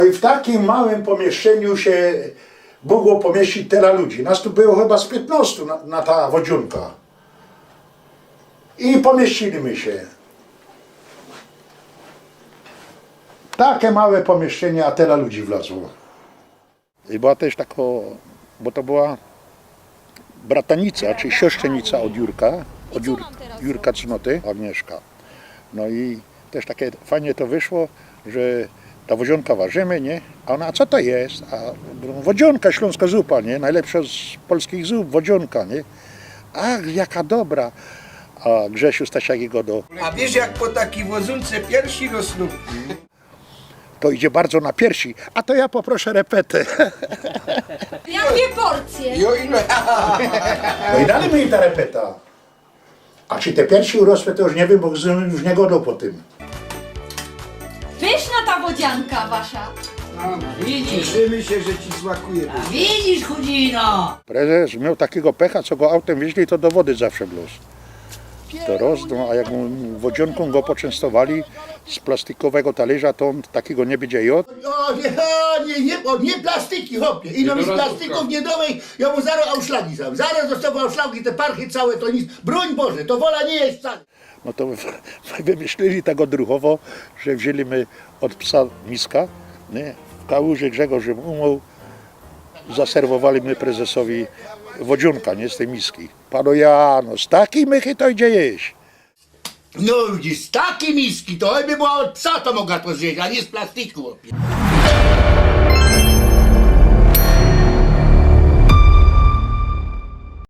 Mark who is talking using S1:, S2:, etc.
S1: I w takim małym pomieszczeniu się mogło pomieścić tyle ludzi. Nas tu było chyba z 15 na ta wodziunka. I pomieściliśmy się. Takie małe pomieszczenie, a tyle ludzi wlazło. I była też taka, bo to była bratanica, czy siostrzenica od Jurka, Jurka Cnoty, Agnieszka. No i też takie fajnie to wyszło, że ta wodzionka ważymy, nie? A ona, a co to jest? A wodzionka, śląska zupa, nie? Najlepsza z polskich zup, wodzionka, nie? Ach, jaka dobra. A Grzesiu Stasiakiego do...
S2: A wiesz, jak po takiej wozunce piersi rosną?
S1: To idzie bardzo na piersi, a to ja poproszę repetę.
S3: Jakie porcje?
S2: Jo, ile?
S1: No i dali mi ta repeta. A czy te piersi urosły, to już nie wiem, bo już nie godą po tym.
S3: Pyszna ta wodzianka wasza.
S4: Widzisz,
S2: Cieszymy się, że ci smakuje.
S4: widzisz, chudzino!
S1: Prezes miał takiego pecha, co go autem wieźli, to do wody zawsze bluz. To rozdną, a jak mu wodzionką go poczęstowali z plastikowego talerza, to on takiego nie będzie jadł.
S5: O, nie plastiki, chłopie. Ino mi z plastików nie dowej, ja mu zaraz auszlagi sam. Zaraz dostawał auszlagi, te parchy całe, to nic. Broń Boże, to wola nie jest wcale.
S1: No to wymyślili tak odruchowo, że wzięli my od psa miska, nie? W kałuży Grzegorz umył, zaserwowali my prezesowi wodzionka, nie, z tej miski. Panu Jano, z takiej mychy to idzie jeść.
S5: No widzisz, z takiej miski, to by była od psa to mogła to zjeść, a nie z plastiku, chłopie.